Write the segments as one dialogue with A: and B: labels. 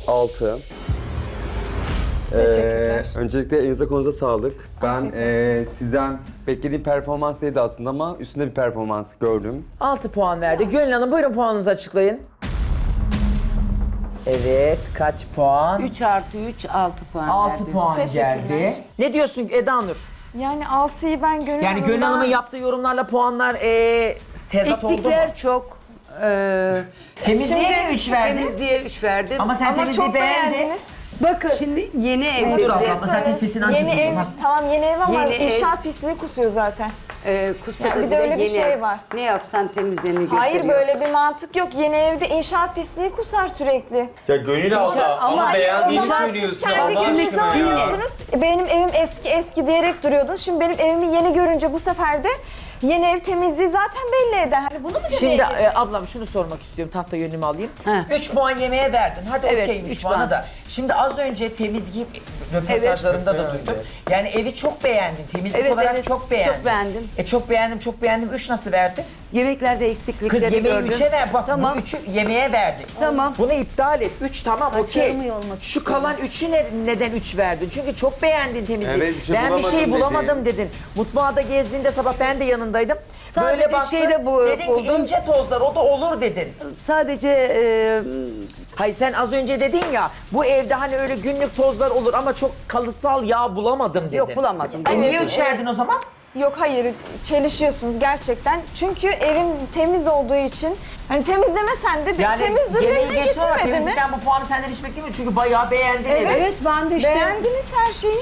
A: 6.
B: Teşekkürler.
A: Öncelikle elinize konuza sağlık. Ben sizden beklediğim performans değildi aslında ama üstünde bir performans gördüm.
C: 6 puan verdi. Gönül Hanım buyurun puanınızı açıklayın. Evet, kaç puan?
D: 3 artı 3, 6 puan
C: 6
D: verdim.
C: puan
B: Teşekkürler.
C: geldi. Ne diyorsun Eda Nur?
B: Yani 6'yı ben Gönül
C: Yani Gönül
B: Hanım'dan-
C: Hanım'ın yaptığı yorumlarla puanlar tezat oldu mu?
D: Eksikler çok.
C: Temizliğe mi 3 verdin?
D: Temizliğe 3 verdim.
C: Ama sen
B: Ama
C: temizliği
B: çok
C: beğendin.
B: beğendiniz.
D: Bakın şimdi yeni ev
C: Dur
D: bize,
C: abla, zaten sesini ancak
B: Yeni ev,
C: duyuyorum, ha.
B: tamam yeni ev ama
D: Yeni ev.
B: inşaat pisliği kusuyor zaten.
D: kusa
B: Yani
D: da
B: bir de öyle bir
D: yeni
B: şey
D: ev.
B: var.
D: Ne yapsan temizliğini gösteriyor.
B: Hayır böyle bir mantık yok. Yeni evde inşaat pisliği kusar sürekli.
A: Ya Gönül abla ama
B: O
A: beğendiğini
B: zaman siz
A: söylüyorsun.
B: kendi
A: Allah
B: gününüzü
A: aşkına ya.
B: alıyorsunuz. Benim evim eski diyerek duruyordun. Şimdi benim evimi yeni görünce bu sefer de yeni ev temizliği zaten belli eder. Hani bunu mu demeye
C: Şimdi
B: getirdin?
C: ablam şunu sormak istiyorum, tahta yönümü alayım.
D: He.
C: 3 puan yemeğe verdin, hadi
D: Evet,
C: okeyim 3
D: üç
C: puanı
D: puan.
C: da. Şimdi az önce temizliği röportajlarında da duydum. Yani evi çok beğendin, temizlik
D: Evet,
C: olarak
D: evet,
C: çok beğendin.
D: çok beğendim.
C: Çok beğendim. 3 nasıl verdin?
D: Yemeklerde
C: Kız
D: eksiklikleri
C: yemeği
D: gördüm.
C: 3'e ver, bak
D: Tamam.
C: bu 3'ü yemeğe verdik.
D: Tamam.
C: Bunu iptal et, 3 tamam okey.
D: Başarımı olmak
C: Şu kalan 3'ü neden 3 verdin? Çünkü çok beğendin temizliği.
A: Evet, bir şey
C: ben bir şey
A: bulamadım
C: bulamadım dedin. Mutfağa da gezdiğinde sabah ben de yanındaydım.
D: Sadece
C: Böyle baktın,
D: şeyde bu-
C: dedin ki
D: buldum.
C: ince tozlar o da olur dedin.
D: Sadece
C: Hayır sen az önce dedin ya bu evde hani öyle günlük tozlar olur ama çok kalısal yağ bulamadım dedin.
D: yok bulamadım.
C: Niye 3 verdin o zaman?
B: Yok hayır çelişiyorsunuz gerçekten. Çünkü evim temiz olduğu için hani temizlemesen de
C: Yani
B: temiz
C: yemeği
B: durumuna
C: geçtim ama
B: getirmedi mi?
C: temizlikten bu puanı senden hiç beklemiyorum çünkü bayağı beğendin evi.
B: Evet.
E: ben de işte
B: Beğendiniz her şeyi.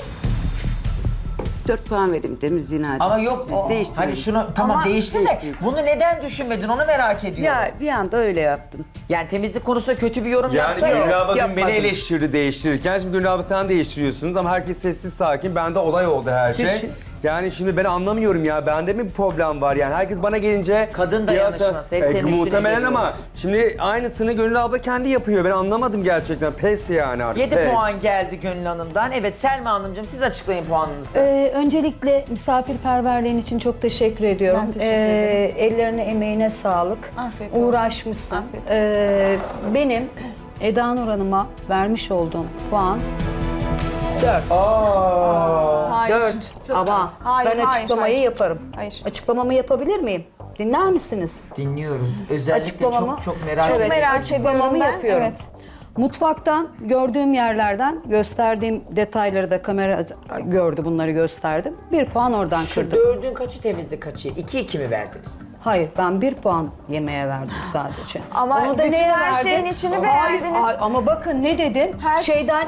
D: 4 puan verdim temizliğine hadi.
C: Ama yok
D: Değiştirin.
C: hani şunu tamam
B: Ama
C: değişti de
D: değiştirin.
C: bunu neden düşünmedin onu merak ediyorum.
D: Ya bir anda öyle yaptım.
C: Yani temizlik konusunda kötü bir yorum
A: Yani
C: yapsa yok.
A: Gönül abla dün beni
D: yapmadım.
A: eleştirdi değiştirirken. Şimdi Gönül abla sen değiştiriyorsunuz ama herkes sessiz sakin. Bende olay oldu her
D: Siz-
A: şey. Yani şimdi ben anlamıyorum ya. Bende mi bir problem var yani? Herkes bana gelince...
C: Kadın dayanışması, hep senin üstüne
A: Muhtemelen
C: geliyor.
A: ama şimdi aynısını Gönül abla kendi yapıyor. Ben anlamadım gerçekten. Pes yani artık.
C: 7
A: pes.
C: puan geldi Gönül Hanım'dan. Evet Selma Hanımcığım siz açıklayın puanınızı.
E: öncelikle misafirperverliğin için çok teşekkür ediyorum.
B: Ben teşekkür ederim.
E: Ellerine emeğine sağlık.
B: Afiyet olsun.
E: Uğraşmışsın.
B: Afiyet
E: Benim Eda Nur Hanım'a vermiş olduğum puan 4.
B: Hayır.
E: 4. Ama
B: Hayır,
E: ben
B: hayır,
E: açıklamayı
B: hayır.
E: yaparım.
B: Hayır.
E: Açıklamamı yapabilir miyim? Dinler misiniz?
C: Dinliyoruz. Özellikle
E: Açıklamamı
C: çok merak
E: Evet,
C: ediyorum.
B: merak
E: açıklamamı
B: ediyorum ben,
E: yapıyorum.
B: evet.
E: Mutfaktan gördüğüm yerlerden gösterdiğim detayları da kamera gördü, bunları gösterdim. 1 puan oradan
C: Şu
E: kırdım.
C: 4'ün kaçı temizlik kaçı? 2-2 mi verdiniz?
E: Hayır, ben 1 puan yemeğe verdim sadece.
B: Ama
E: Onu da
B: bütün
E: neye
B: her
E: verdim?
B: şeyin içini
E: Hayır,
B: beğendiniz.
E: hayır, ama bakın ne dedim?
B: Her-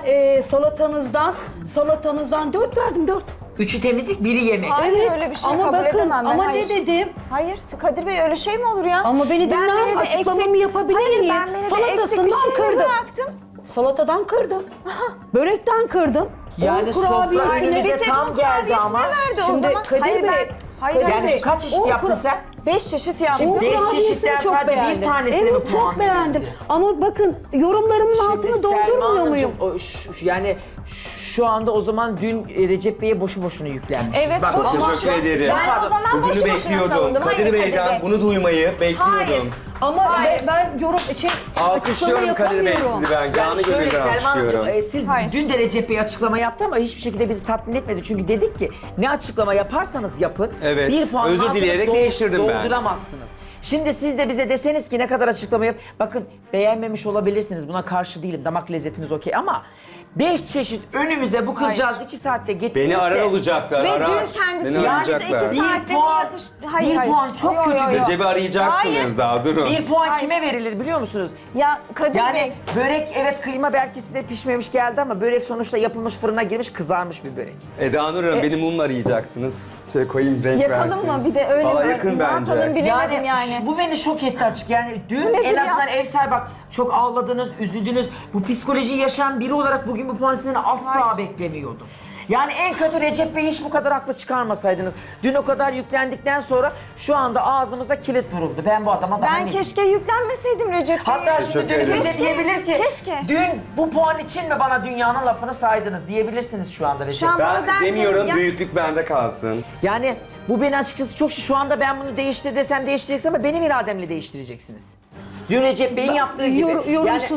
E: Salatanızdan 4 verdim, 4.
C: 3'ü temizlik, 1'i yemek.
B: Hayır öyle bir şey
E: ama
B: kabul
E: bakın,
B: edemem ben.
E: ama
B: Hayır.
E: ne dedim?
B: Hayır Kadir Bey öyle şey mi olur ya?
E: Ama beni dinler misin?
B: menüde
E: Açıklamamı yapabilir
B: Hayır,
E: miyim?
B: ben menüde
E: Salatasından
B: eksik bir şey
E: kırdım.
B: bıraktım.
E: Salatadan kırdım. Börekten kırdım.
C: Yani
E: Un
C: sofra
E: kurabiyesini-
C: önümüze
B: Bir tek
C: tam
B: un
C: geldi
B: kurabiyesini
C: ama.
B: verdi o
E: Şimdi
B: zaman.
E: Kadir
B: Hayır,
E: Bey,
B: ben, hayır,
E: Kadir
C: Yani
E: Bey,
C: şu kaç çeşit
E: un
C: yaptın
E: kura-
C: sen?
B: 5 çeşit yaptım.
E: Un
C: Beş
E: kurabiyesini
C: çeşitten
E: çok
C: sadece bir
E: beğendim.
C: tanesine mi
E: Evet,
C: puan
E: çok beğendim.
C: verildi?
E: Ama bakın yorumlarımın altını
C: Selma
E: doldurmuyor
C: Hanımcığım,
E: muyum?
C: yani şu anda o zaman dün Recep Bey'e boşu boşuna yüklenmiş.
B: Evet, boşu
A: Teşekkür
B: boşuna.
A: ederim.
B: Ben o zaman
A: Bugünü
B: boşu boşuna
A: bekliyordum.
B: savundum.
A: Kadir
B: Hayır,
A: Bey'den
B: Kadir Bey.
A: bunu duymayı bekliyordum.
B: Hayır.
E: Ama
B: Hayır.
E: ben yorum açıklama
A: Alkışlıyorum Kadir Bey
E: yapamıyorum.
A: sizi ben. Canı
C: Yani şöyle
A: gönülden
C: Selma Hanımcığım,
A: alkışlıyorum.
C: siz
B: Hayır.
C: dün de Recep Bey açıklama yaptı ama hiçbir şekilde bizi tatmin etmedi. Çünkü dedik ki ne açıklama yaparsanız yapın.
A: Evet,
C: Bir puanın
A: özür
C: altını
A: dileyerek değiştirdim ben.
C: Dolduramazsınız. Şimdi siz de bize deseniz ki ne kadar açıklama yap. Bakın beğenmemiş olabilirsiniz. Buna karşı değilim. Damak lezzetiniz okey ama 5 çeşit önümüze bu kızcağız 2 saatte getirirse.
A: Beni arar olacaklar,
B: Ve
A: arar.
B: dün kendisi
A: Beni
B: yaşta
A: arayacaklar.
B: 2 saatte
C: Bir puan-
B: yatış... Hayır,
C: bir
B: hayır.
C: puan çok
B: Yo, yo,
C: kötü.
B: yo.
A: Recep'i arayacaksınız
B: Hayır.
A: daha durun.
C: 1 puan
B: Hayır.
C: kime verilir biliyor musunuz?
B: Ya Kadir
C: Yani
B: Bey...
C: börek evet kıyma belki size pişmemiş geldi ama börek sonuçta yapılmış fırına girmiş kızarmış bir börek.
A: Eda Nur Hanım beni mumla arayacaksınız. Şey koyayım renk
B: Yakalım
A: versin.
B: mı? Bir de öyle
A: Valla
B: mi?
A: yakın
B: Ne
A: bence.
B: yapalım bilemedim yani.
C: Bu beni şok etti açık. Yani dün
B: nedir
C: en
B: ya?
C: azından ev sahibi bak çok ağladınız, üzüldünüz. Bu psikolojiyi yaşayan biri olarak bugün bu puan sizden asla beklemiyordum. Yani en kötü Recep Bey'i hiç bu kadar haklı çıkarmasaydınız. Dün o kadar yüklendikten sonra şu anda ağzımıza kilit vuruldu. Ben bu adama daha
B: Ben
C: ne-
B: keşke yüklenmeseydim Recep Bey'e.
C: Hatta şimdi
A: Teşekkür
C: dün
A: ederim.
C: bize
B: Keşke,
C: diyebilir ki
B: keşke.
C: dün bu puan için mi bana dünyanın lafını saydınız diyebilirsiniz şu anda Recep
B: Şu an
C: Bey.
B: bana
A: Ben
B: derseniz
A: demiyorum
B: ya-
A: büyüklük bende kalsın.
C: Yani bu beni açıkçası çok şu anda ben bunu değiştir desem değiştireceksiniz ama benim irademle değiştireceksiniz. Dün Recep Bey'in yaptığı gibi.
E: Yorumsuzum.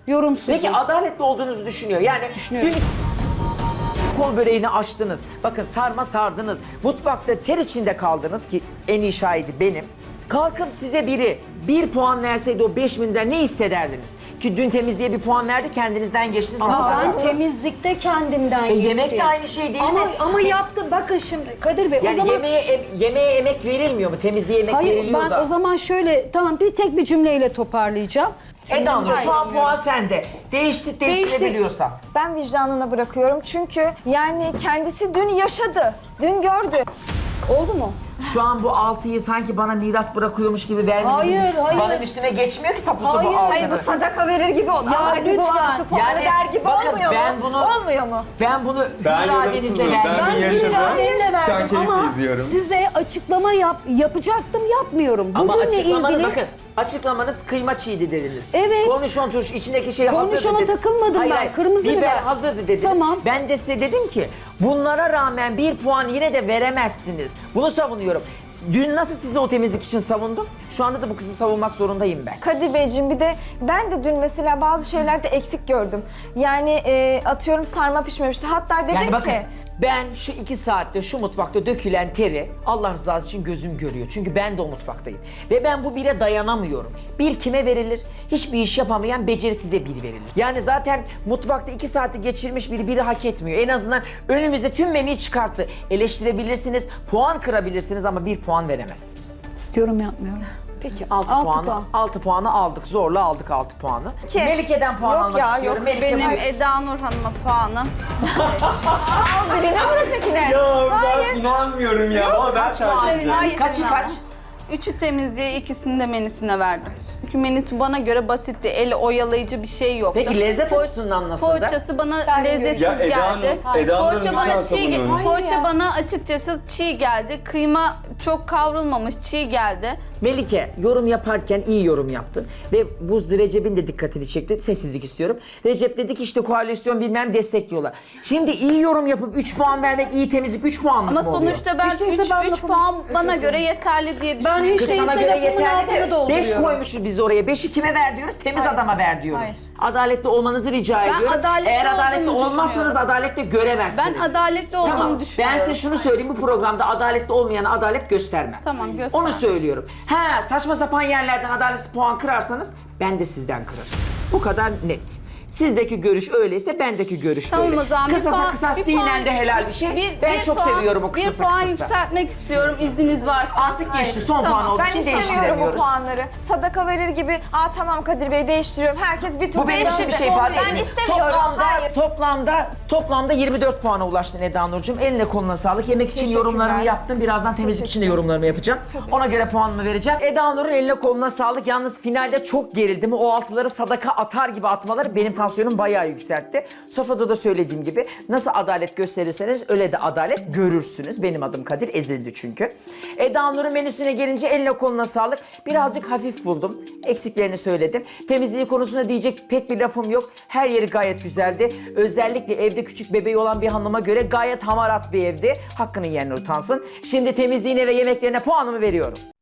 E: Yorumsuzum.
C: Peki adaletli olduğunuzu düşünüyor. Yani
E: Düşünüyorum.
C: dün kol böreğini açtınız. Bakın sarma sardınız. Mutfakta ter içinde kaldınız ki en iyi şahidi benim. Kalkıp size biri 1 puan verseydi o 5.000'den ne hissederdiniz? Ki dün temizliğe 1 puan verdi, kendinizden geçtiniz.
E: Ama
C: Mesela
E: ben temizlikte kendimden geçtim.
C: yemek de aynı şey değil mi?
E: Ama yaptım. Bakın şimdi Kadir Bey
C: Yani
E: o zaman...
C: yemeğe emek verilmiyor mu? Temizliğe emek
E: Hayır
C: veriliyor
E: ben
C: da.
E: o zaman şöyle tamam tek bir cümleyle toparlayacağım.
C: Eda Nur, şu an
B: Hayır,
C: puan sende. Değiştirebiliyorsan.
B: Ben vicdanına bırakıyorum çünkü yani kendisi dün yaşadı, dün gördü.
E: Oldu mu?
C: Şu an bu 6'yı sanki bana miras bırakıyormuş gibi vermenizin
E: Hayır.
C: bana üstüme geçmiyor ki tapusu
E: Hayır,
C: bu 6'nın.
B: Hayır bu sadaka verir gibi oldu.
E: Ya
B: Ama hadi bu
E: lütfen.
B: 6 puanı
C: Yani
B: der gibi
C: bakın,
B: olmuyor
C: ben
B: mu?
C: bunu-
B: Olmuyor mu?
C: Ben bunu
A: Ben
C: iradenizle
A: yorumsuzum, ben
C: verdim.
A: bir
E: Ben
A: yaşadım.
E: müsaadenle
A: Şu an
E: verdim
A: keyifle
E: ama
A: izliyorum.
E: size açıklama yapacaktım yapmıyorum.
C: Ama
E: Bugünle
C: açıklamanız
E: ilgili
C: bakın açıklamanız kıyma çiğdi dediniz.
E: Evet.
C: Kornişon turşu içindeki şey hazırdı
E: Kornişona
C: dediniz.
E: takılmadım
C: Hayır,
E: ben,
C: hayır,
E: kırmızı biber.
C: hazırdı dediniz.
E: Tamam.
C: Ben de size dedim ki bunlara rağmen 1 puan yine de veremezsiniz. Bunu savunuyorum. Dün nasıl sizi o temizlik için savundum? Şu anda da bu kızı savunmak zorundayım ben.
B: Kadir Beyciğim bir de ben de dün mesela bazı şeylerde eksik gördüm. Yani atıyorum sarma pişmemişti. Hatta dedim
C: Yani bakın
B: ki
C: ben şu 2 saatte şu mutfakta dökülen teri Allah rızası için gözüm görüyor. Çünkü ben de o mutfaktayım. Ve ben bu bire dayanamıyorum. Bir kime verilir? Hiçbir iş yapamayan beceriksize bir verilir. Yani zaten mutfakta 2 saati geçirmiş biri hak etmiyor. En azından önümüze tüm menüyü çıkarttı. Eleştirebilirsiniz, puan kırabilirsiniz ama 1 puan veremezsiniz.
E: yorum yapmıyorum.
C: Peki 6
E: Altı
C: puanı,
E: puan.
C: 6 puanı aldık. Zorla aldık 6 puanı.
B: Ki-
C: Melike'den puan
B: Yok
C: almak
B: ya,
C: istiyorum.
B: yok.
C: Melike
F: Benim
C: buyur.
F: Eda Nur Hanım'a puanım.
B: al birine vur ötekine.
A: Ya
B: Hayır.
A: ben inanmıyorum ya. Ama ben
F: Hayır,
C: Kaçı kaç?
F: 3'ü temizliğe, ikisini de menüsüne verdim. Çünkü menüsü bana göre basitti. Eli oyalayıcı bir şey yoktu.
C: Peki lezzet
F: Po-
C: açısından nasıldı?
F: Poğaçası bana
B: Ben de
F: lezzetsiz
A: Ya Eda Hanım,
F: geldi.
A: Eda Hanım
F: Poğaça
A: lütfen
F: bana çiğ
A: savunun.
B: Hayır
F: Poğaça
B: ya.
F: bana açıkçası çiğ geldi. Kıyma çok kavrulmamış, çiğ geldi.
C: Melike yorum yaparken iyi yorum yaptın ve bu Recep'in de dikkatini çekti. Sessizlik istiyorum. Recep dedi ki işte koalisyon bilmem destekliyorlar. Şimdi iyi yorum yapıp 3 puan vermek iyi temizlik 3 puanlık
F: Ama
C: mı oluyor?
F: sonuçta ben
E: İşte ben
F: 3
E: lafımı-
F: puan bana göre yeterli diye
E: Ben
F: düşünüyorum.
E: hiç
C: Kız
E: değilse
C: sana göre
E: lafımın
C: yeterli
E: altını
C: de 5
E: dolduruyorum.
C: koymuşuz biz oraya. 5'i kime ver diyoruz? Temiz adama ver diyoruz.
B: Hayır.
C: Adaletli olmanızı rica
F: Ben
C: ediyorum.
F: adaletli
C: Eğer adaletli
F: olduğumu
C: olmazsanız
F: düşünüyorum.
C: adaletli göremezsiniz.
F: Ben adaletli olduğumu
C: Tamam.
F: düşünüyorum.
C: Ben size şunu söyleyeyim, bu programda adaletli olmayana adalet göstermem.
F: Tamam, göster.
C: Onu söylüyorum. Ha, saçma sapan yerlerden adaletsiz puan kırarsanız ben de sizden kırarım. Bu kadar net. Sizdeki görüş öyleyse bendeki görüş
F: Tamam
C: öyle.
F: o zaman
C: Kısasa kısas dinen de helal bir şey. Ben çok seviyorum o kısasa
F: Bir puan
C: kısasa.
F: yükseltmek istiyorum izniniz varsa.
C: Artık geçti, son
F: Tamam.
C: puan olduğu
B: Ben
C: için
B: istemiyorum bu
C: değiştiremiyoruz.
B: puanları. Sadaka verir gibi, tamam Kadir Bey değiştiriyorum. Herkes bir tur
C: Bu benim için bir şey ifade
B: Ben
C: etmiyor.
B: istemiyorum. Hayır.
C: Toplamda 24 puana ulaştın Eda Nurcuğum. Eline koluna sağlık. Yemek için
B: Teşekkürler.
C: yorumlarımı yaptım. Birazdan temizlik için de yorumlarımı yapacağım. Ona göre puanımı vereceğim. Eda Nur'un eline koluna sağlık. Yalnız finalde çok gerildim. O altıları sadaka atar gibi atmaları benim tansiyonum bayağı yükseltti. Sofrada da söylediğim gibi nasıl adalet gösterirseniz öyle de adalet görürsünüz. Benim adım Kadir, ezildi çünkü. Eda Nur'un menüsüne gelince eline koluna sağlık. Birazcık hafif buldum. Eksiklerini söyledim. Temizliği konusunda diyecek pek bir lafım yok. Her yeri gayet güzeldi. Özellikle evde küçük bebeği olan bir hanıma göre gayet hamarat bir evdi. Hakkının yerine utansın. Şimdi temizliğine ve yemeklerine puanımı veriyorum.